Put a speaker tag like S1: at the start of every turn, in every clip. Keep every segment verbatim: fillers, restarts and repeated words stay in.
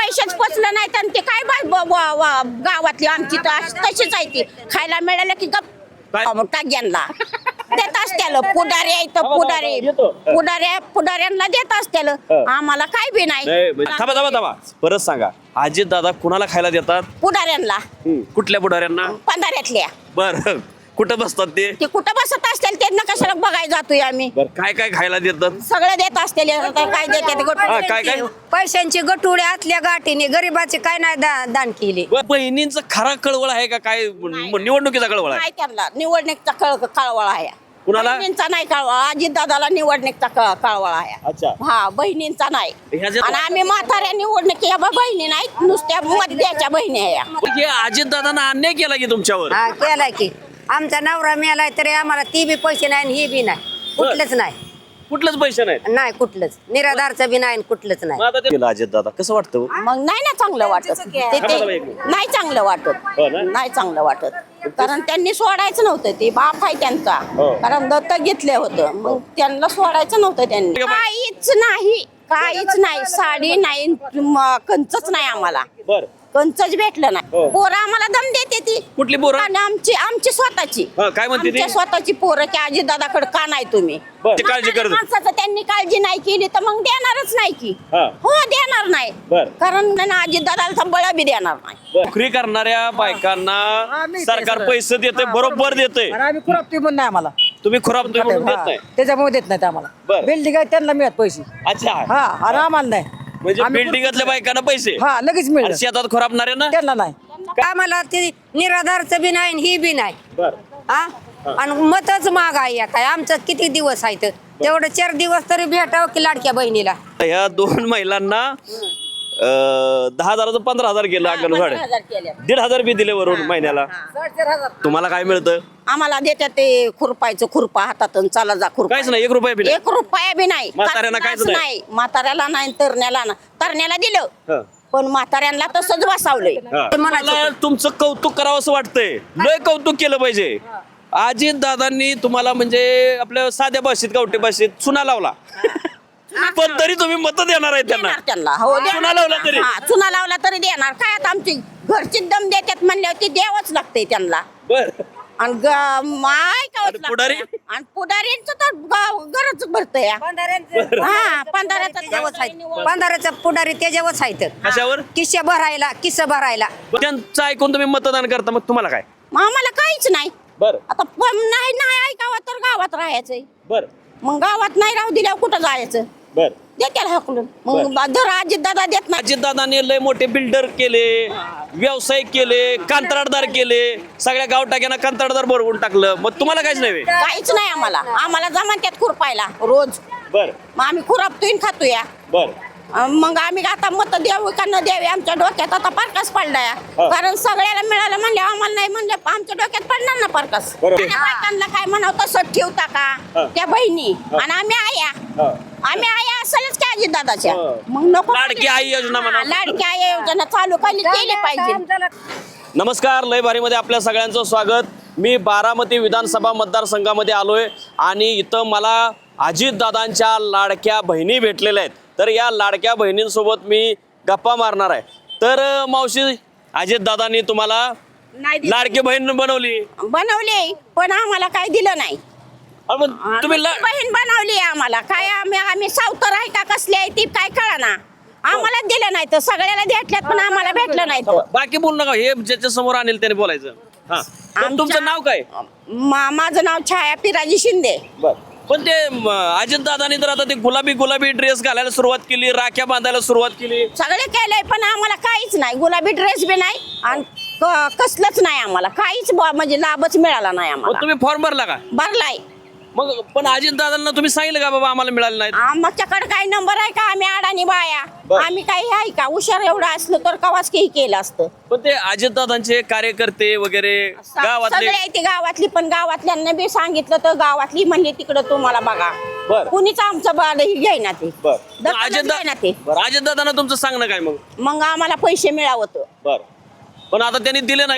S1: पैसेच पचलं नाही तर ते काय बाय ब- ब- व- गावातली आमची तर तशीच आहे ती खायला मिळालं की गप टाक्यांना देत असत्याल पुढारी आहे तर पुढारी पुढाऱ्या पुढाऱ्यांना देत असत्याल आम्हाला काय बी नाही
S2: थांबा थांबा थांबा परत सांगा अजित दादा कुणाला खायला देतात
S1: पुढाऱ्यांना
S2: कुठल्या पुढाऱ्यांना
S1: पंधरातल्या
S2: बर कुठं बसतात ते
S1: ते कुठं बसत असतील त्यांना कशाला बघायला जातोय आम्ही
S2: काय काय खायला देतात
S1: सगळं देत असतील काय देतात
S2: हा, काय काय
S3: पैशांची गटुडे आतल्या गाठीने गरीबाचे काय नाही दा- दान केले.
S2: ब- बहिणींचं खरा कळवळ आहे का काय निवडणुकीचा कळवळ आहे
S1: नाही त्यांना निवडणुकीचा कळ कळवळा आहे
S2: कुणाला?
S1: बहिणींचा नाही कळवळा अजित दादाला निवडणुकीचा कळ- कळवळा आहे
S2: अच्छा
S1: हा बहिणींचा नाही
S2: ह्याच्यात-
S1: आणि आम्ही म्हाताऱ्या निवडणुकी या बा बहिणी नाहीत नुसत्या मध्याच्या बहिणी आहे या.
S2: हे अजित दादांना अन्याय केला की तुमच्यावर
S3: हा केलाय की आमचा नवरा मिळालाय तरी आम्हाला ती बी पैसे नाही आणि ही बी नाही कुठलंच नाही
S2: कुठलंच पैसे नाहीत
S3: नाही कुठलंच निराधारचं बी नाही आणि कुठलंच नाही
S2: मग आता ते- अजित दादा कसं वाटतं
S1: मग नाही ना चांगलं वाटत ते ते नाही चांगलं वाटत
S2: हो ना?
S1: नाही चांगलं वाटत कारण त्यांनी सोडायचं नव्हतं ते बाप आहे त्यांचा
S2: हो.
S1: कारण दत्तक घेतलं होतं मग त्यांना सोडायचं नव्हतं त्यांनी काहीच नाही काहीच नाही साडी नाही म- कंचच नाही आम्हाला
S2: बर
S1: कंचच भेटलं नाही
S2: हो.
S1: पोरं आम्हाला दम देते ती
S2: कुठली पोरं?
S1: आणि आमची आमची स्वतःची
S2: हा, काय म्हणते ती?
S1: आमच्या स्वतःची पोरं की आजी दादाकडे का नाही तुम्ही
S2: बरं. ते काळजी करत-
S1: माणसाचं त्यांनी काळजी नाही केली तर मग देणारच नाही की
S2: हा.
S1: हो देणार नाही
S2: बरं.
S1: कारण आजी दादाला बळ बी देणार नाही
S2: नोकरी करणाऱ्या बायकांना सरकार पैसे देते बरोबर देते
S4: आणि आम्ही खुरापती पण नाही आम्हाला
S2: तुम्ही खराब म्हणून देत नाही
S4: त्याच्यामुळे देत नाहीत आम्हाला
S2: बरं.
S4: बिल्डिंग आहे त्यांना मिळत पैसे
S2: अच्छा
S4: हा आणि आम्हाला नाही
S2: म्हणजे
S4: आम्ही
S2: बिल्डिंगातल्या बायकांना पैसे
S4: हा लगेच
S2: आणि
S4: मिळत
S2: शेतात खोरापणारे ना
S4: त्यांना नाही
S3: आम्हाला ते निराधारचं बी नाही आणि ही बी नाही
S2: बर
S3: हा आणि मतच माग आहे या काय आमचं किती दिवस आहे तर तेवढं चार दिवस तरी भेटावं की लाडक्या बहिणीला
S2: ह्या दोन महिलांना अं, दहा हजाराचं पंधरा हजार गेलं अंगणवाडी
S1: पंधरा हजार केले.
S2: दीड हजार बी दिले वरून महिन्याला तुम्हाला काय मिळतं
S1: आम्हाला देतात ते खुरपायचं खुरपा हातात आणि चला जा खुरपा
S2: काहीच नाही एक रुपया बी नाही.
S1: एक रुपया बी नाही
S2: म्हाताऱ्यांना काहीच
S1: काहीच
S2: नाही.
S1: नाही म्हाताऱ्याला नाही तरण्याला ना तरण्याला दिलं
S2: हं.
S1: पण म्हाताऱ्यांना तसंच बसावलंय
S2: हा.
S3: ते म्हणायचं.
S2: मला तुमचं कौतुक करावं असं वाटतंय लय कौतुक केलं पाहिजे अजित दादांनी तुम्हाला म्हणजे आपल्या साध्या भाषेत गावठी भाषेत चुना लावला पण तरी तुम्ही मत देणार आहे त्यांना
S1: देणार त्यांना हो देणार.
S2: चुना लावला तरी?
S1: हा, चुना लावला तरी देणार काय आता आमची घरची दम देतात म्हणल्यावर ती द्यावंच लागतंय त्यांना
S2: बर
S1: आणि ग- माय का
S2: आणि पुढारी?
S1: आणि पुढारींच तर ग- गरज भरतंय हा पंधराचा
S3: त्याच्यावरच आहेत पंधराचा पुढारी त्याच्यावरच आहेत
S2: कशावर
S3: किस्से भरायला किस्से भरायला
S2: त्यांचं ऐकून तुम्ही मतदान करता मग तुम्हाला काय
S1: मग आम्हाला काहीच नाही
S2: बर
S1: आता पण नाही नाही ऐकावं तर गावात राहायचंय
S2: बर
S1: मग गावात नाही राहू दिल्यावर कुठं जायचं
S2: बर
S1: देत्याला हाकलून मग धर अजित दादा देत नाही
S2: अजित दादाने लय मोठे बिल्डर केले व्यवसाय केले कंत्राटदार केले सगळ्या गाव टाक्यांना कंत्राटदार भरवून टाकलं मग तुम्हाला काहीच नाही
S1: काहीच नाही आम्हाला आम्हाला जमान त्यात खुरपायला रोज
S2: बर
S1: मग आम्ही खुरापतोय आणि खातोय
S2: बर
S1: अं, मग आम्ही आता मत द्यावं का न द्यावे आमच्या डोक्यात आता पारकास पडलाय कारण सगळ्याला मिळालं म्हणले आम्हाला नाही म्हणले आमच्या डोक्यात पडणार ना पारकास
S2: बरोबर.
S1: आणि बायकांना काय म्हणावं तसं ठेवता का त्या बहिणी आणि आम्ही आया आम्ही आया असेलच की अजित दादाच्या
S2: हा.
S1: मग नको
S2: लाडकी आई योजना म्हणा.
S1: हा, लाडकी आई योजना चालू केली केली पाहिजे
S2: नमस्कार लय भारीमध्ये आपल्या सगळ्यांचं स्वागत मी बारामती विधानसभा मतदारसंघामध्ये आलोय आणि इथं मला अजितदादांच्या लाडक्या बहिणी भेटलेल्या आहेत तर या लाडक्या बहिणींसोबत मी गप्पा मारणार आहे तर अं, मावशी अजितदादांनी तुम्हाला
S1: नाही दिलं.
S2: लाडकी बहीण बनवली
S1: बनवले पण आम्हाला काय दिलं नाही
S2: अरे मग तुम्ही ला-
S1: बहीण बनवली आम्हाला काय आम्ही आम्ही सावतर आहे का कसली आहे ती काय कळा ना आम्हाला दिलं नाही तर सगळ्याला भेटल्यात पण आम्हाला भेटलं नाही तर
S2: बाकी बोलू नका हे ज्याच्या समोर आणेल त्याने बोलायचं हा तर
S1: आमच्या-
S2: तुमचं नाव काय
S1: मा- माझं नाव छाया पिराजी शिंदे
S2: पण ते अजित दादानी तर आता ते गुलाबी गुलाबी ड्रेस घालायला सुरुवात केली राख्या बांधायला सुरुवात केली
S1: सगळे केलंय पण आम्हाला काहीच नाही गुलाबी ड्रेस बी नाही आणि क- कसलंच नाही आम्हाला काहीच ब- म्हणजे लाभच मिळाला नाही
S2: मग
S1: आम्हाला
S2: तुम्ही फॉर्म भरला का
S1: भरलाय
S2: मग पण अजित दादांना तुम्ही सांगितलं का बाबा आम्हाला मिळालं नाही
S1: आमच्याकडे काही नंबर आहे का आम्ही अडाणी बाया
S2: बर.
S1: आम्ही काही आहे का हुशार एवढं असलं तर कवाच काही केलं असतं
S2: पण ते अजित दादांचे कार्यकर्ते वगैरे गावातले
S1: सगळे आहे ती गावातली पण गावातल्यांना बी सांगितलं तर गावातली म्हणली तिकडं तुम्हाला बघा
S2: बर.
S1: कुणीच आमचं बाळ घेईना ते दखलच
S2: अजित
S1: घेईना ते
S2: अजित दादांना तुमचं सांगणं काय मग
S1: मग आम्हाला पैसे मिळावत
S2: बर पण आता त्यांनी दिले नाहीत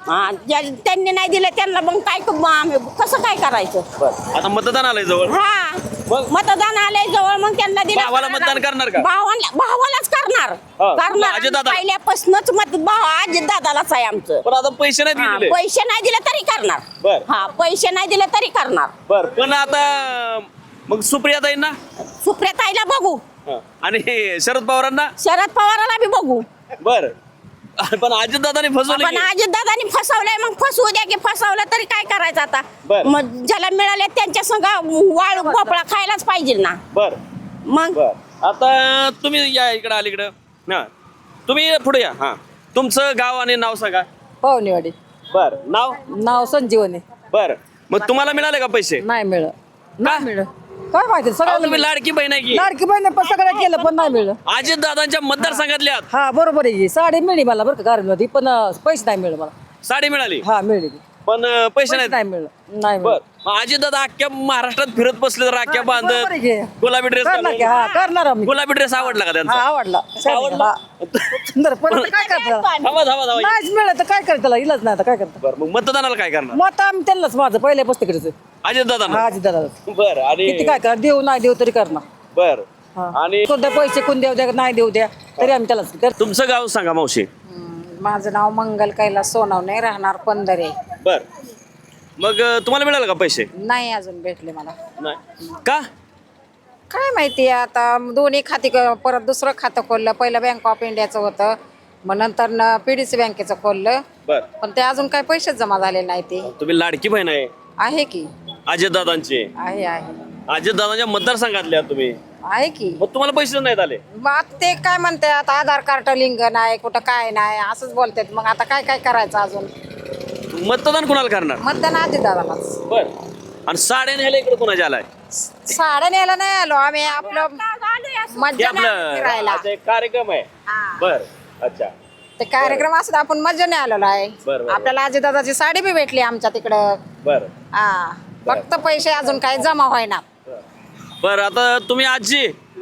S1: हा ज्या- त्यांनी नाही दिलं त्यांना मग काय क- मग आम्ही कसं काय करायचं
S2: बरं आता मतदान आलंय जवळ
S1: हा
S2: मग?
S1: मतदान आलंय जवळ मग त्यांना दिलं
S2: भावाला मतदान करणार का?
S1: भावाला भावालाच करणार
S2: हा,
S1: करणार
S2: अजितदादा.
S1: पहिल्यापासूनच मत भाव अजित दादालाच आहे आमचं
S2: पण आता पैसे नाही
S1: हा,
S2: दिले
S1: पैसे नाही दिले तरी करणार
S2: बर.
S1: हा पैसे नाही दिले तरी करणार
S2: बर पण आता मग सुप्रियाताईंना
S1: सुप्रियाताईला बघू
S2: हा. आणि शरद पवारांना
S1: शरद पवाराला बी बघू
S2: बर पण अजितदादांनी फसवलं
S1: पण
S2: की?
S1: अजित दादानी फसवलंय मग फसवू द्या की फसवलं तरी काय करायचं आता
S2: बर.
S1: मग ज्याला मिळाले त्यांच्या संग वाळू भोपळा खायलाच पाहिजे ना
S2: बर
S1: मग
S2: बर आता तुम्ही या इकडं अलीकडं हा तुम्ही पुढे या हा तुमचं गाव आणि नाव सांगा
S4: पाहुणेवाडी
S2: बर नाव
S4: नाव संजीवनी
S2: बर मग तुम्हाला मिळाले का पैसे
S4: नाही मिळत
S2: का?
S4: नाही मिळत काय माहिती
S2: अहो,
S4: सगळ्याला
S2: तुम्ही
S4: मिळलं.
S2: लाडकी बहीण आहे की
S4: लाडकी बहिणी पण सगळं केलं पण नाही मिळलं
S2: अजित दादांच्या मतदारसंघातल्या आहात.
S4: हा बरोबर आहे की. साडी मिळली मला बरं का गारमध्ये पण अं, पैसे नाही मिळले मला
S2: साडी मिळाली
S4: हा मिळली
S2: पण अं, पैसे
S4: पैसे
S2: नाहीत
S4: नाही मिळलं नाही
S2: बर
S4: मिळलं
S2: मग अजित दादा अख्ख्या महाराष्ट्रात फिरत बसले तर राख्या
S4: बरोबर आहे
S2: बांधत
S4: की.
S2: गुलाबी ड्रेस
S4: करणार की हा करणार आम्ही
S2: गुलाबी ड्रेस आवडला का
S4: हा
S2: त्यांचा
S4: आवडला
S2: आवडला?
S4: हा. सुंदर पण आता काय करता
S2: थांबा थांबा थांबा
S4: नाहीच मिळत तर काय करता त्याला इलाज नाही आता काय करता
S2: बर मग मतदानाला काय करणार
S4: मग आम्ही त्यांनाच माझं पहिल्या पुस्तकाचं
S2: अजित दादा
S4: हा आजी दादा
S2: बर आणि
S4: किती काय कर देऊ नाही देऊ तरी करणार
S2: बर
S4: हा.
S2: आणि
S4: कोणत्या पैसे कोण देऊ द्या नाही देऊ द्या तरी आम्ही त्यालाच कर
S2: तुमचं गाव सांगा मावशी
S3: माझं नाव मंगल कैलास सोनवणे राहणार पंधरे
S2: बर मग अं, तुम्हाला मिळालं का पैसे
S3: नाही अजून भेटले मला
S2: नाही का
S3: काय माहिती आता दोन्ही खाती क- परत दुसरं खातं खोललं पहिलं बँक ऑफ इंडियाचं होतं मग नंतर पी डी सी बँकेचं खोललं
S2: बर
S3: पण ते अजून काही पैसेच जमा झाले नाही ते
S2: तुम्ही लाडकी बहीण आहे
S3: आहे की
S2: अजित दादांची
S3: आहे आहे
S2: अजित दादांच्या मतदारसंघातल्या तुम्ही
S3: आहे की
S2: मग तुम्हाला पैसे नाहीत आले
S3: मग आता ते काय म्हणते आता आधार कार्ड लिंक नाही कुठं काय नाही असंच बोलतात मग आता काय काय करायचं अजून
S2: मतदान कोणाला करणार
S3: मतदान आधी दादालाच
S2: बर आणि साड्या न्यायला इकडे कोणाच्या आलाय
S3: साड्या न्यायला नाही आलो आम्ही आपलं
S2: हे
S3: मज्जा नाही
S2: आपलं
S3: फिरायला
S2: अच्छा, एक कार्यक्रम आहे
S3: हा.
S2: बर अच्छा
S3: ते कार्यक्रम असत आपण मज्जा नाही आलेलो आहे
S2: बरं, बरं.
S3: आपल्याला आजी दादाची साडी बी भेटली आमच्या तिकडं
S2: बर
S3: हा फक्त पैसे अजून काही जमा व्हायना
S2: बर आता तुम्ही आजी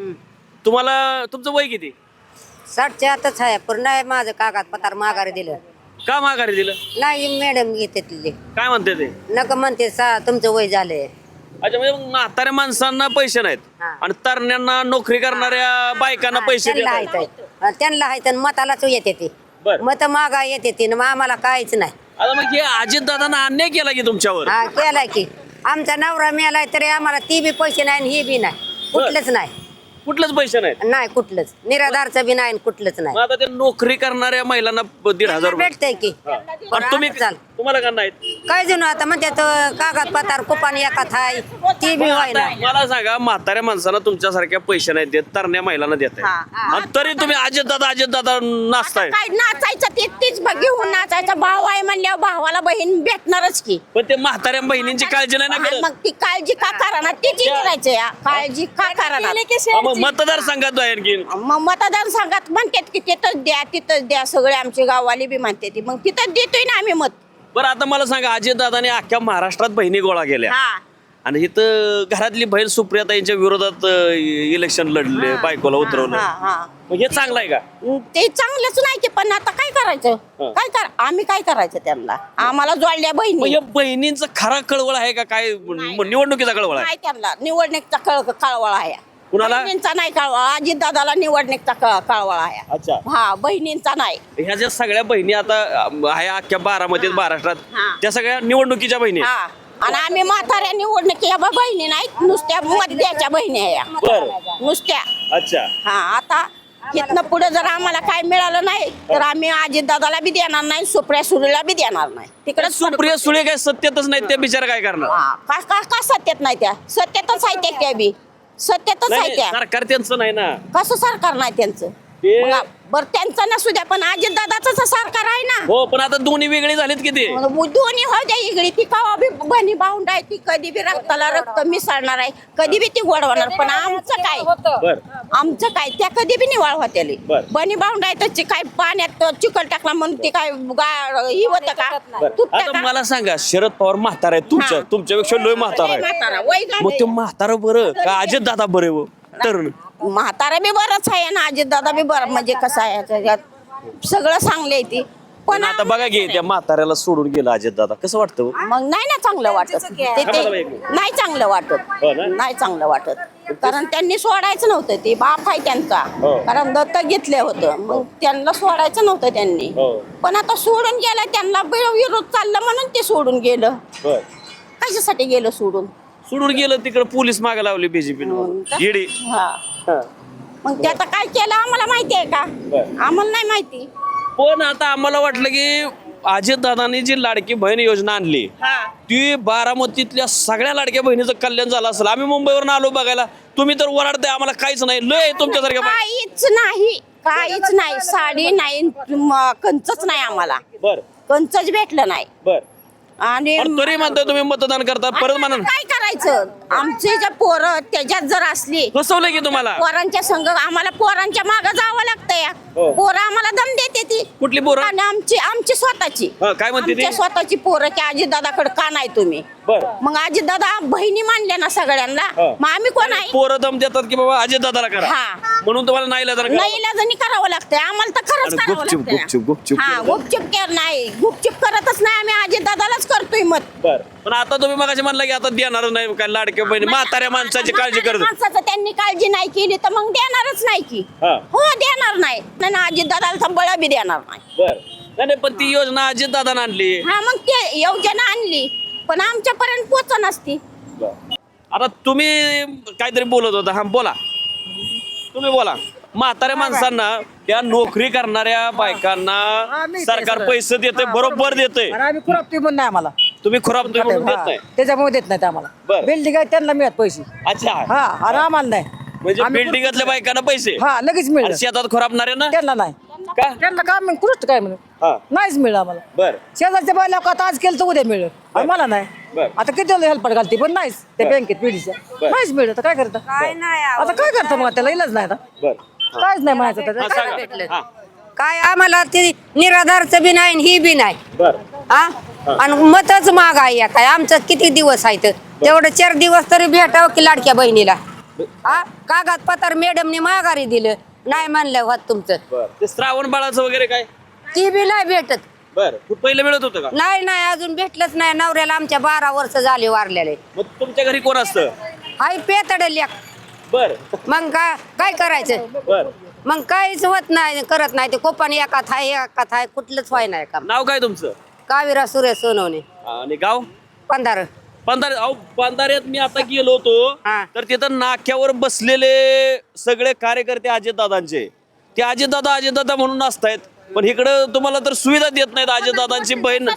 S2: तुम्हाला तुमचं वय किती
S5: साठच्या आतच आहे पण नाही माझं कागदपत्र माघारी दिलं
S2: का माघारी दिलं
S5: नाही मॅडम घेते तिथे
S2: काय म्हणते ते
S5: नका म्हणते सा तुमचं वय झालंय
S2: अच्छा म्हणजे मग म्हाताऱ्या माणसांना पैसे नाहीत
S5: हा.
S2: आणि तरण्यांना नोकरी करणाऱ्या बायकांना पैसे
S5: त्यांना
S2: देतात.
S5: आहेत त्यांना आहेत आणि मतालाच येते ती
S2: बर.
S5: मत मागा येते ती मग आम्हाला काहीच नाही
S2: आता मग हे अजित दादांना अन्याय केला की तुमच्यावर
S5: हा केलाय की आमचा नवरा मिळालाय तरी आम्हाला ती बी पैसे नाही आणि ही बी नाही कुठलंच नाही
S2: कुठलेच पैसे नाहीत
S5: नाही कुठलंच निराधारचं बी नाही आणि कुठलंच नाही
S2: मग आता ते नोकरी करणाऱ्या महिलांना प- दीड हजार रुपये
S5: भेटतंय की
S2: हा.
S5: पण
S2: आणि तुम्ही
S5: आता चाल
S2: तुम्हाला का नाहीत
S5: काय जणू आता म्हणते कागदपत्र कुपान एकात आहे ती बी व्हाय
S2: आता
S5: नाही
S2: मला सांगा म्हाताऱ्या माणसाला तुमच्यासारख्या पैसे नाही देत तरण्या महिलांना देत
S1: हा.
S2: आणि तरी तुम्ही अजित दादा अजित दादा नाचताय
S1: काय नाचायचं ते तीच ब- घेऊन नाचायचं भाव आहे म्हणल्यावर भावाला बहीण भेटणारच की
S2: पण ते म्हाताऱ्या बहिणींची काळजी नाही ना
S1: आणि
S2: करत
S1: मग ती काळजी का करणार तीच करायचं या काळजी का करणार
S2: हा, मग मतदार संघात आहे आणखीन
S1: मग मतदान संघात म्हणतात की तिथंच द्या तिथंच द्या सगळे आमचे गाववाले बी म्हणते ती मग तिथंच देतोय ना आम्ही मत
S2: बरं आता मला सांगा अजित दादाने अख्ख्या महाराष्ट्रात बहिणी गोळा केल्या
S1: हा
S2: आणि इथं घरातली बहीण सुप्रियाताईंच्या विरोधात अं, इलेक्शन लढले बायकोला उतरवलं
S1: हा हा
S2: मग हे चांगलं आहे का
S1: ते चांगलंच नाही की पण आता काय करायचं
S2: हा.
S1: काय कर आम्ही काय करायचं त्यांना आम्हाला जोडल्या
S2: मग
S1: बहिणी
S2: या बहिणींचा खरा कळवळ आहे का काय निवडणुकीचा कळवळ आहे
S1: नाही त्यांना निवडणुकीचा कळ कळवळा आहे
S2: कुणाला?
S1: बहिणींचा नाही कळवळा अजित दादाला निवडणुकीचा कळ- कळवळा आहे
S2: अच्छा
S1: हा बहिणींचा नाही
S2: ह्या ज्या सगळ्या बहिणी आता अं, आहे अख्ख्या बारामतीत महाराष्ट्रात
S1: हा.
S2: त्या सगळ्या निवडणुकीच्या बहिणी आहेत.
S1: हा आणि आम्ही म्हाताऱ्या निवडणुकीच्या बा- बहिणी नाहीत नुसत्या मध्याच्या बहिणी आहे या.
S2: बरं
S1: नुसत्या
S2: अच्छा
S1: हा आता इथनं पुढे जर आम्हाला काय मिळालं नाही तर आम्ही अजित दादाला बी देणार नाही सुप्रिया सुरेला बी देणार नाही तिकडे
S2: सुप्रिया सुळे काय सत्यतच नाही त्या बिचार काय करणार
S1: का का का सत्यात नाही त्या सत्यातच आहे त्या त्या बी सत्यातच आहे
S2: नाही,
S1: त्या
S2: सरकार त्यांचं नाही ना
S1: कसं सरकार नाही त्यांचं
S2: ते-
S1: मग बरं त्यांचं नसू द्या पण अजित दादाच सरकार आहे ना
S2: हो पण आता दोन्ही वेगळी झालीत किती
S1: मग दोन्ही हो द्या इकडे ती कवा बी बनी बाउंड आहे ती कधी बी रक्ताला रक्त मिसळणार आहे कधी बी ती गोडवणार पण आमचं काय
S2: बर
S1: आमचं काय त्या कधी बी निवाळ होत्याली
S2: बर.
S1: बनी बाउंड आहे तर ची- काय पाण्यात चिकल टाकला म्हणून ती काय गा- ही होतं का
S2: बर
S1: तुटतं
S2: आता
S1: का?
S2: मला सांगा शरद पवार म्हातारा आहे तुमच्या
S1: हा.
S2: तुमच्यापेक्षा लोय म्हातारा
S1: लय
S2: आहे
S1: म्हातारा, वय झालंय.
S2: मग ते म्हातारा बरं का अजित दादा बरे व तरुण
S1: म्हातारा बी बरंच आहे ना अजित दादा बी बरं म्हणजे कसं आहे त्याच्यात सगळं चांगले ती
S2: पण आता बघा की त्या म्हाताऱ्याला सोडून गेलं अजित दादा, कसं वाटतं हो?
S1: मग नाही ना चांगलं वाटत ते ते नाही चांगलं वाटत
S2: हो ना?
S1: नाही चांगलं वाटत कारण त्यांनी सोडायचं नव्हतं ते बाप आहे त्यांचा
S2: हो.
S1: कारण दत्तक घेतले होतं मग त्यांना सोडायचं नव्हतं त्यांनी
S2: हो.
S1: पण आता सोडून गेलं त्यांना बी- विरोध चालला म्हणून ते सोडून गेलं
S2: बर
S1: कशासाठी गेलं सोडून
S2: सोडून गेलं तिकडे पोलीस मागे लावली बीजेपी ईडी.
S1: हा मग ते आता काय केलं आम्हाला माहिती आहे का
S2: बरं.
S1: आम्हाला नाही माहिती
S2: पण आता आम्हाला वाटलं की अजित दादांनी जी लाडकी बहीण योजना आणली ती बारामतीतल्या सगळ्या लाडक्या बहिणीचं कल्याण झालं असेल. आम्ही मुंबईवरून आलो बघायला, तुम्ही तर ओरडताय आम्हाला काहीच नाही. लय आहे तुमच्यासारख्या बाई.
S1: काहीच नाही काहीच नाही साडी नाही म- कंचच नाही आम्हाला
S2: बर
S1: कंचच भेटलं नाही
S2: बर
S1: आणि
S2: पण तरी म्हणताय तुम्ही मतदान करता परत म्हणा.
S1: काय करायचं आमचे जे पोरं त्याच्यात जर असली
S2: फसवलं की तुम्हाला?
S1: पोरांच्या संघ आम्हाला पोरांच्या मागे जावं लागतं या
S2: हो.
S1: पोरं आम्हाला दम देते ती
S2: कुठली पोरं?
S1: आणि आमची आमची स्वतःची
S2: हा, काय म्हणते ती?
S1: आमच्या स्वतःची पोरं की अजित दादाकडे का नाही तुम्ही
S2: बर
S1: मग अजित दादा बहिणी मानल्या ना सगळ्यांना
S2: हा.
S1: मग आम्ही कोण आहे
S2: पोरं दम देतात की बाबा अजित दादाला करा
S1: हा.
S2: म्हणून तुम्हाला नाही इलाज करा.
S1: नाही इलाजाने करावं लागतंय आम्हाला तर खरंच
S2: आणि
S1: करावं
S2: गुपचूप,
S1: लागतंय
S2: गुपचूप, गुपचूप
S1: हा
S2: केलं.
S1: गुपचूप कर नाही गुपचूप करतच नाही आम्ही अजित दादालाच करतोय मत
S2: बर पण आता तुम्ही मगाशी म्हणला की आता देणारच नाही काय लाडक्या बहिणी म्हाताऱ्या माणसाची काळजी
S1: म्हाताऱ्या
S2: करत.
S1: माणसाचं त्यांनी काळजी नाही केली तर मग देणारच नाही की
S2: हा.
S1: हो देणार नाही नाही ना अजित दादाला बळ बी देणार नाही
S2: बर नाही नाही, पण ती योजना अजित दादानं आणली.
S1: हा मग ते योजना आणली पण आमच्यापर्यंत पोच नसती
S2: आता तुम्ही काहीतरी बोलत होता, हा बोला तुम्ही बोला. म्हाताऱ्या माणसांना त्या नोकरी करणाऱ्या बायकांना सरकार पैसे देते बरोबर देते.
S4: आणि आम्ही खुरापतोय पण नाही आम्हाला
S2: तुम्ही खराब म्हणून देत नाही.
S4: त्याच्यामुळे देत नाहीत आम्हाला
S2: बरं.
S4: बिल्डिंग आहे त्यांना मिळत पैसे
S2: अच्छा
S4: हा आणि आम्हाला नाही
S2: म्हणजे
S4: आम्ही
S2: बिल्डिंगातल्या बायकांना पैसे
S4: हा लगेच मिळलं
S2: आणि शेतात खराबणारे ना
S4: त्यांना नाही
S2: का?
S4: त्यांना काय म्हणून कृष्ट काय म्हणून
S2: हा
S4: नाहीच मिळलं आम्हाला
S2: बर
S4: शेजारच्या बायला आता आज केलं तर उद्या मिळलं आणि मला नाही
S2: बरं.
S4: आता किती हेल्पट घालते पण नाहीच त्या बँकेत पिढीच्या नाहीच मिळलं तर काय करतं
S5: काय नाही
S4: आता काय करतं मग त्याला इलाज नाही आता
S2: बर
S4: काहीच नाही म्हणायचं
S2: हा,
S4: त्याचं
S2: सांगा. हा,
S5: काय आम्हाला ते निराधारचं बी नाही आणि ही बी नाही
S2: बर
S5: हा आणि मतच माग आहे काय आमचं किती दिवस आहे तर तेवढं चार दिवस तरी भेटावं की लाडक्या बहिणीला हा कागदपत्र मॅडमने माघारी दिलं नाही म्हणलं होत तुमचं
S2: बर ते श्रावण बाळाचं वगैरे काय?
S5: ती बी नाही भेटत
S2: बर पहिलं मिळत होतं का?
S5: नाही नाही अजून भेटलंच नाही नवऱ्याला आमच्या बारा वर्ष झाले वारलेले
S2: मग तुमच्या घरी कोण असतं?
S5: हाय पेतड लेख
S2: बर
S5: मग काय काय करायचं
S2: बर
S5: मग काहीच होत नाही करत नाही ते कोपान एकात आहे एकात आहे कुठलंच व्हाय नाही काम
S2: नाव काय तुमचं?
S5: काविरा सुरेश सोनवणे
S2: आणि गाव?
S5: पंधरा
S2: पंधारे अहो पंधाऱ्यात मी आता गेलो होतो
S5: हा.
S2: तर तिथं नाक्यावर बसलेले सगळे कार्यकर्ते अजितदादांचे ते अजितदादा अजितदादा म्हणून असतायत पण इकडं तुम्हाला तर सुविधा देत नाहीत. अजितदादांची बहीण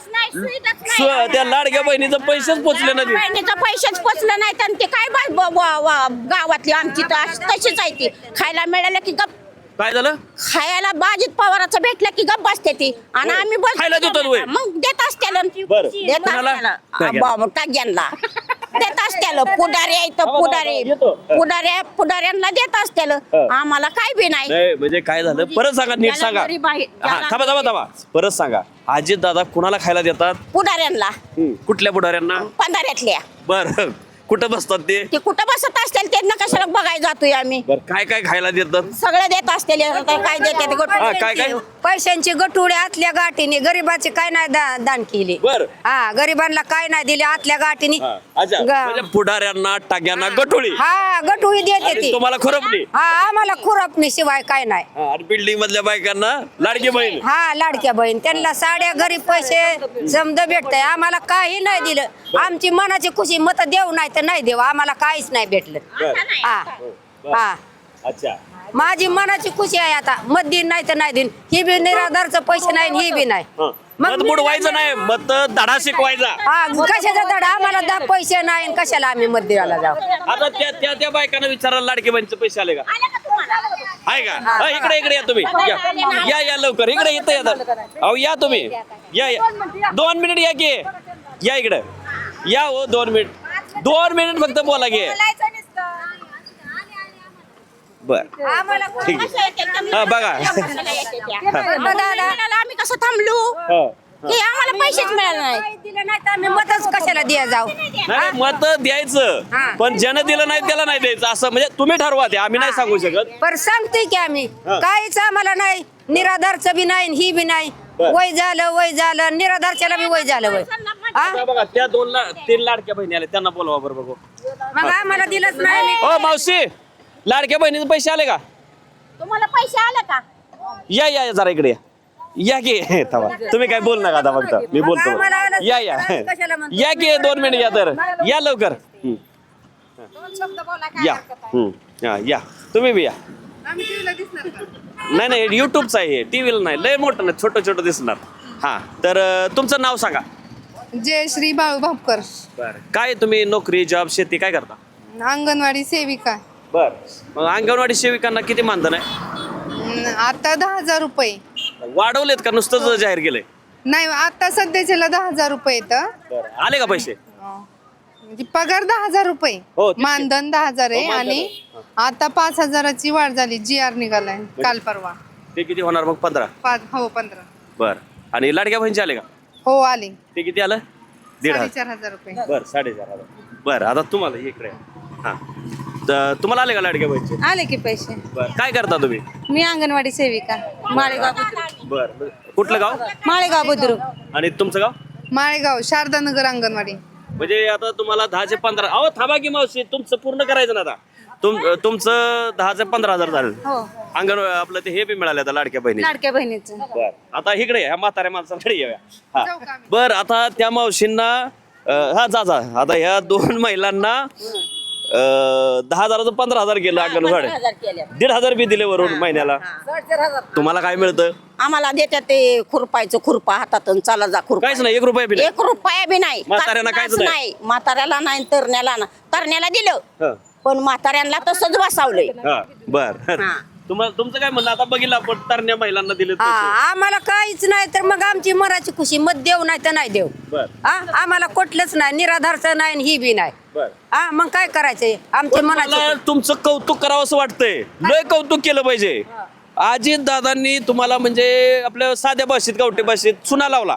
S2: सु- त्या लाडक्या बहिणीचं पैसेच पोचले नाही.
S1: बहिणीचं पैसेच पोचलं नाही तर ते काय बा- ब- ब- ब- गावातली आमची तर अशी- तशीच आहे ती खायला मिळालं की गप
S2: काय झालं?
S1: खायला बाजीत पवाराचं भेटलं की गप बसते ती आणि आम्ही बस
S2: खायला देतात होय?
S1: मग देत असत्याला
S2: बरं.
S1: देत
S2: कोणाला?
S1: असत्याला टाक्यांना देत असत्याला पुढारी आहे तर
S2: थांबा,
S1: पुढारी
S2: येतो.
S1: पुढाऱ्या पुढाऱ्यांना देत असत्याला आम्हाला काय बी नाही
S2: नाही म्हणजे काय झालं परत सांगा, नीट
S1: ज्याला
S2: सांगा.
S1: गरीब आहे,
S2: हा
S1: ज्याला
S2: थांबा थांबा थांबा परत सांगा. अजितदादा कुणाला खायला देतात?
S1: पुढाऱ्यांना
S2: हम्म, कुठल्या पुढाऱ्यांना?
S1: पंधरातल्या
S2: बर कुठं बसतात ते?
S1: ते कुठं बसत असतील त्यांना कशाला बघायला जातोय आम्ही
S2: बर काय काय खायला देतात?
S1: सगळं देत असतील काय देते
S2: हा, काय काय?
S5: पैशांची गटुडे आतल्या गाठीने गरीबाची काय नाही दा- दान केली
S2: बर
S5: हा गरिबांना काय नाही दिले आतल्या गाठीने
S2: हा, अच्छा
S5: गा-
S2: म्हणजे पुढाऱ्यांना टाक्यांना गटोळी
S5: हा गटुळी देते
S2: आणि
S5: ती
S2: तुम्हाला खुरपणी.
S5: हा आम्हाला खुरपणी शिवाय काय नाही
S2: हा, आणि बिल्डिंग मधल्या बायकांना लाडकी बहीण.
S5: हा लाडक्या बहीण त्यांना साड्या गरीब पैसे समजा भेटतंय आम्हाला काही नाही दिलं आमची मनाची खुशी मत देऊ नाही तर नाही देऊ आम्हाला काहीच नाही भेटलं
S2: बर
S5: हा
S2: बर.
S5: हा
S2: अच्छा
S5: माझी मनाची खुशी आहे आता मत दिन नाही तर नाही दिन ही बी निराधारचं पैसे नाही आणि ही बी नाही
S2: हा.
S5: मग
S2: मत बुडवायचं नाही मत धडा शिकवायचा.
S5: हा कशाचा धडा आम्हाला दा पैसे नाही आणि कशाला आम्ही मत द्यायला जाऊ
S2: आता त्या त्या त्या बायकांना विचारायला लाडकी बहिणीचे पैसे आले का? आहे का? हा, इकडे इकडे या तुम्ही या या या लवकर इकडे इथं या अहो या तुम्ही या या दोन मिनिट या की या इकडे या हो दोन मिनिट दोन मिनिट फक्त बोला की बर ठीक आहे. हा, बघा.
S1: आम्ही कसं थांबलो
S2: हा,
S1: की आम्हाला पैसेच मिळाले नाही
S5: दिलं नाही तर आम्ही मतच कशाला द्या जाऊ
S2: नाही मत द्यायचं
S5: हा.
S2: पण ज्यानं दिलं नाही त्याला नाही द्यायचं असं म्हणजे तुम्ही ठरवा ते आम्ही नाही सांगू शकत.
S5: पर सांगतोय की आम्ही
S2: हा.
S5: काहीच आम्हाला नाही निराधारचं बी नाही आणि ही बी नाही
S2: बर.
S5: वय झालं वय झालं निराधारच्याला बी वय झालं वय हा
S2: आता बघा त्या दोन ला तीन लाडक्या बहिणी आल्या त्यांना बोलवा बरं बघू.
S5: मग आम्हाला दिलंच नाही मी
S2: ओ मावशी लाडक्या बहिणीचे पैसे आले का?
S1: तुम्हाला पैसे आले का?
S2: या या या, जरा इकडे या. या की थांबा तुम्ही काय बोल नका आता फक्त मी बोलतो
S5: आम्हाला आलं
S2: या या
S5: कशाला म्हणतो?
S2: या की दोन मिनिट या तर या लवकर हम्म. या हम्म. या या तुम्ही बी या नाही नाही युट्यूबचा आहे टीव्हीला नाही लय मोठं नाही छोटं छोटं दिसणार हा तर अं, तुमचं नाव सांगा.
S6: जयश्री बाळू भापकर
S2: बरं काय तुम्ही नोकरी जॉब शेती काय करता?
S6: अंगणवाडी सेविका
S2: बर मग अंगणवाडी सेविकांना किती मानधन आहे?
S6: न- आता दहा हजार रुपये
S2: वाढवलेत का नुसतंच जाहीर केलंय?
S6: नाही आता सध्याच्याला दहा हजार रुपये येतं
S2: आले का पैसे?
S6: म्हणजे पगार दहा हजार रुपये
S2: हो, ठीक आहे.
S6: मानधन दहा हजार आहे
S2: हो, मानधन
S6: आणि
S2: आहे.
S6: आता पाच हजाराची वाढ झाली जी आर निघालाय काल परवा
S2: ते किती होणार मग? पंधरा.
S6: पाच हो पंधरा
S2: बर आणि लाडक्या बहिणीचे आले का?
S6: हो आले
S2: ते किती आलं? दीड हजार.
S6: साडेचार हजार रुपये
S2: बर साडेचार हजार. बर आता तुम्हाला इकडे हा तर तुम्हाला आले का लाडक्या बहिणीचे?
S6: आले की पैसे
S2: बर काय करता तुम्ही?
S6: मी अंगणवाडी सेविका माळेगाव
S2: बर कुठलं गाव
S6: माळेगाव बुद्रुक
S2: आणि तुमचं गाव?
S6: माळेगाव शारदानगर अंगणवाडी
S2: म्हणजे आता तुम्हाला दहाचे पंधरा अहो थांबा की मावशी तुमचं पूर्ण करायचं ना आता तुम तुमचं दहाचे पंधरा हजार झालं
S6: हो
S2: अंगण आपलं ते हे बी मिळाले आता लाडक्या बहिणी.
S6: लाडक्या बहिणीचं
S2: बर आता इकडे ह्या म्हाताऱ्या माणसाकडे येऊया हा
S6: जाऊ का आम्ही?
S2: बर आता त्या मावशींना अं, हा जा जा आता ह्या दोन महिलांना अं, दहा हजाराचं पंधरा हजार गेलं अंगणवाडी
S1: हजार केले.
S2: दीड हजार बी दिले वरून महिन्याला. तुम्हाला काय मिळतं?
S1: आम्हाला देतात ते खुरपायचं खुरपा हातात आणि चला जा खुरपा.
S2: काहीच नाही एक रुपया बी नाही.
S1: एक रुपया बी नाही
S2: म्हाताऱ्यांना काहीच
S1: काहीच
S2: नाही.
S1: म्हाताऱ्याला नाही तरण्याला ना तरण्याला दिलं
S2: हा,
S1: पण म्हाताऱ्यांना तसंच बसावलंय.
S2: हा, बर
S1: हा.
S2: तुम्हाला तुमचं काय म्हणणं आता बघितलं आपण तरण्या महिलांना दिले
S5: हा आम्हाला काहीच नाही तर मग आमची मराठी खुशी मत देऊ नाही तर नाही देऊ
S2: बर
S5: हा आम्हाला कुठलंच नाही निराधारचं नाही आणि ही बी नाही
S2: बर
S5: हा मग काय करायचंय आमच्या
S2: मला
S5: मनाचं
S2: तुमचं कौतुक करावं असं वाटतंय लय कौतुक केलं पाहिजे. अजित दादांनी तुम्हाला म्हणजे आपल्या साध्या भाषेत गावठी भाषेत चुना लावला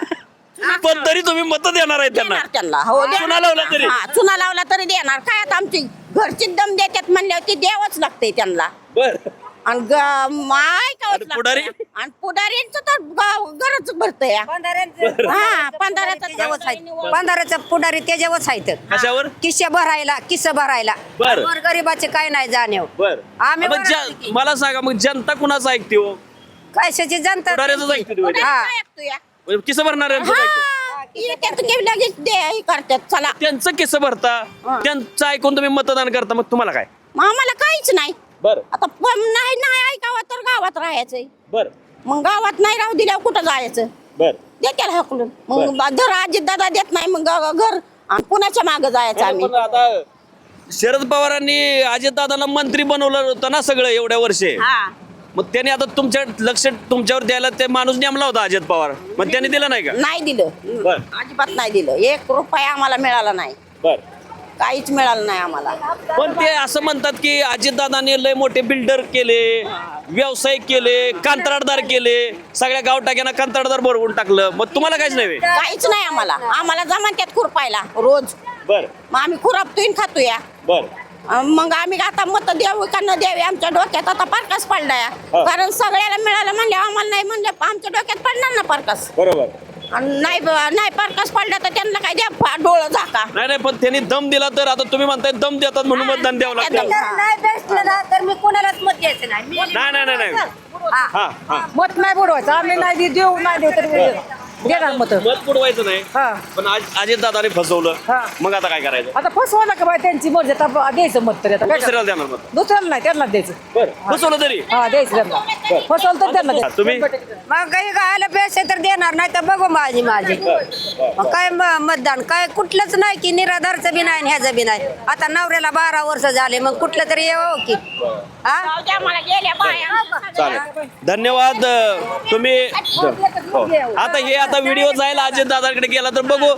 S2: पण तरी तुम्ही मत देणार आहे त्यांना.
S1: देणार त्यांना हो देणार.
S2: चुना लावला तरी
S1: हा, चुना लावला तरी देणार काय आता आमची घरची दम देतात म्हणल्यावर ती द्यावंच लागते त्यांना
S2: बर
S1: आणि ग- माय का
S2: आणि पुढारी?
S1: आणि पुढाऱ्यांचं तर ग- गरज भरतंय हा पंधराचं
S5: पंधराचा पुढारी त्याच्यावरच आहेत
S2: कशावर?
S5: किस्से भरायला किस्से भरायला
S2: बरं.
S5: वर गरीबाचे काय नाही जाणीव
S2: बर
S5: आम्ही
S2: मग
S5: बरं
S2: ज्या- मला सांगा मग जनता कुणाचं ऐकते हो?
S5: कशाची जनता
S2: पुढाऱ्याचंच ऐकते ती म्हणजे.
S5: हा.
S2: म्हणजे किस भरणार आहे?
S1: लगेच दे हे करतात चला
S2: त्यांचं किस भरता त्यांचं ऐकून तुम्ही मतदान करता मग तुम्हाला काय?
S1: मग आम्हाला काहीच नाही
S2: बर
S1: आता पण नाही नाही ऐकावं तर गावात राहायचंय
S2: बर
S1: मग गावात नाही राहू दिल्यावर कुठं जायचं
S2: बर
S1: देत्याला हकलून मग धर आजी दादा देत नाही मग ग- घर आणि पुण्याच्या मागं जायचं आम्ही
S2: पण आता शरद पवारांनी अजित दादांना मंत्री बनवलं होतं ना सगळं एवढ्या वर्षे
S1: हा
S2: मग त्याने आता तुमच्या लक्ष तुमच्यावर द्यायला ते माणूस नेमला होता अजित पवार मग त्यांनी दिलं नाही का?
S1: नाही दिलं
S2: बर.
S1: अजिबात नाही दिलं एक रुपया आम्हाला मिळाला नाही
S2: बर
S1: काहीच मिळालं नाही आम्हाला
S2: पण ते असं म्हणतात की अजितदादांनी लय मोठे बिल्डर केले व्यवसाय केले कंत्राटदार केले सगळ्या गावटाक्यांना कंत्राटदार बनवून टाकलं मग तुम्हाला काहीच नाही?
S1: काहीच नाही आम्हाला आम्हाला जमान त्यात खुरपायला रोज
S2: बर
S1: मग आम्ही खुरापतोय आणि खातोय
S2: बर
S1: अं, मग आम्ही आता मत द्यावं का न द्यावे आमच्या डोक्यात आता पारकास पडलाय
S2: हा.
S1: कारण सगळ्याला मिळालं म्हणले आम्हाला नाही म्हणले आमच्या डोक्यात पडणार ना पारकास
S2: बरोबर
S1: आणि नाही ब- नाही पारकास पडला तर त्यांना काय द्या फा- डोळं झाका
S2: नाही नाही पण त्यांनी दम दिला तर आता तुम्ही म्हणताय दम देतात म्हणून मतदान द्यावं लागतं.
S1: एकदम.
S5: नाही भेटलं ना तर मी कोणालाच मत द्यायचं नाही मी-
S2: नाही नाही नाही नाही. हा हा
S4: मत नाही बुडवायचं आम्ही नाही दे- देऊ नाही देऊ तरी देणार मत
S2: मत बुडवायचं नाही
S4: हा
S2: पण अजित दादाने फसवलं
S4: हा.
S2: मग आता काय करायचं?
S4: आता फसवा का बाय त्यांची मर्जी आता द्यायचं मत तरी आता काय
S2: दुसऱ्याला देणार मत
S4: दुसऱ्याला नाही त्यांना द्यायचं
S2: बरं फसवलं तरी
S4: हा द्यायचं त्यांना फसवलं तर त्यांना
S2: हा,
S4: द्यायचं
S2: तुम्ही
S5: मग काही गायला पैसे तर देणार नाही तर बघू माझी माझी मग काय म- मतदान काय कुठलंच नाही की निराधारचं बी नाही आणि ह्याचं बी नाही आता नवऱ्याला बारा वर्ष झाले मग कुठलं तरी येऊ की हा
S1: जाऊ द्या मला गेल्या बाया
S2: चालेल धन्यवाद तुम्ही हो. आता हे आता व्हिडिओ जायला अजित दादाकडे गेला तर बघू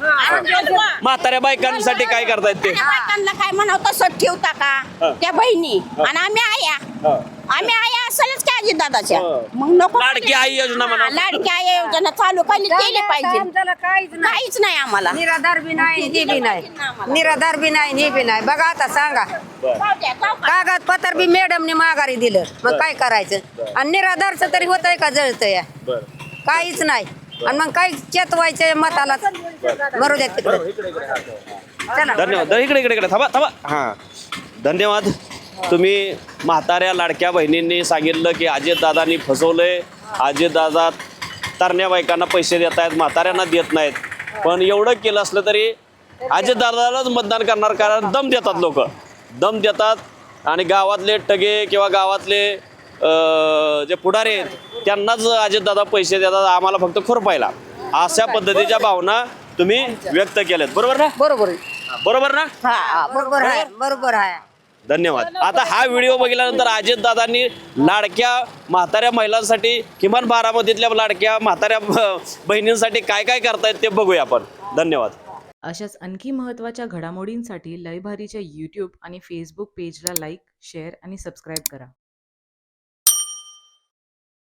S2: म्हाताऱ्या बायकांसाठी काय करतायत ते.
S1: त्या बायकांना काय म्हणावं तसं ठेवता का त्या बहिणी आणि आम्ही आया आम्ही आया असेलच काय अजित दादाच्या मग नको
S2: लाडकी आई योजना म्हणा.
S1: हा, लाडकी आई योजना चालू केली केली पाहिजे
S5: आमच्याला काहीच नाही
S1: काहीच नाही आम्हाला
S5: निराधार बी नाही हे बी नाही निराधार बी नाही हे बी नाही बघा आता सांगा
S1: जाऊ द्या, जाऊ का?
S5: कागदपत्र बी मॅडमने माघारी दिलं मग काय करायचं आणि निराधारचं तरी होतंय का जळतंय
S2: बरं
S5: काहीच नाही आणि मग काही चेतवायचे मताला मरू द्या तिकडे चला
S2: धन्यवाद द- इकडे इकडे इकडे थांबा थांबा हां धन्यवाद. तुम्ही म्हाताऱ्या लाडक्या बहिणींनी सांगितलं की अजितदादांनी फसवलंय, अजितदादा तरण्या बायकांना पैसे देत आहेत, म्हाताऱ्यांना देत नाहीत. पण एवढं केलं असलं तरी अजितदादालाच मतदान करणार, कारण दम देतात लोक, दम देतात आणि गावातले टगे किंवा गावातले अं, जे पुढारी आहेत त्यांनाच अजितदादा पैसे देतात, आम्हाला फक्त खुरपायला. अशा पद्धतीच्या भावना तुम्ही व्यक्त केल्यात, बरोबर ना?
S4: बरोबर आहे.
S2: बरोबर ना?
S5: बरोबर आहे बरोबर आहे
S2: धन्यवाद. आता हा व्हिडिओ बघितल्यानंतर अजितदादांनी लाडक्या म्हाताऱ्या महिलांसाठी, किमान बारामतीतल्या लाडक्या म्हाताऱ्या ब- बहिणींसाठी काय काय करतायत ते बघूया आपण. धन्यवाद.
S7: अशाच आणखी महत्त्वाच्या घडामोडींसाठी लयभारीच्या यूट्यूब आणि फेसबुक पेजला लाईक, शेअर आणि सबस्क्राईब करा.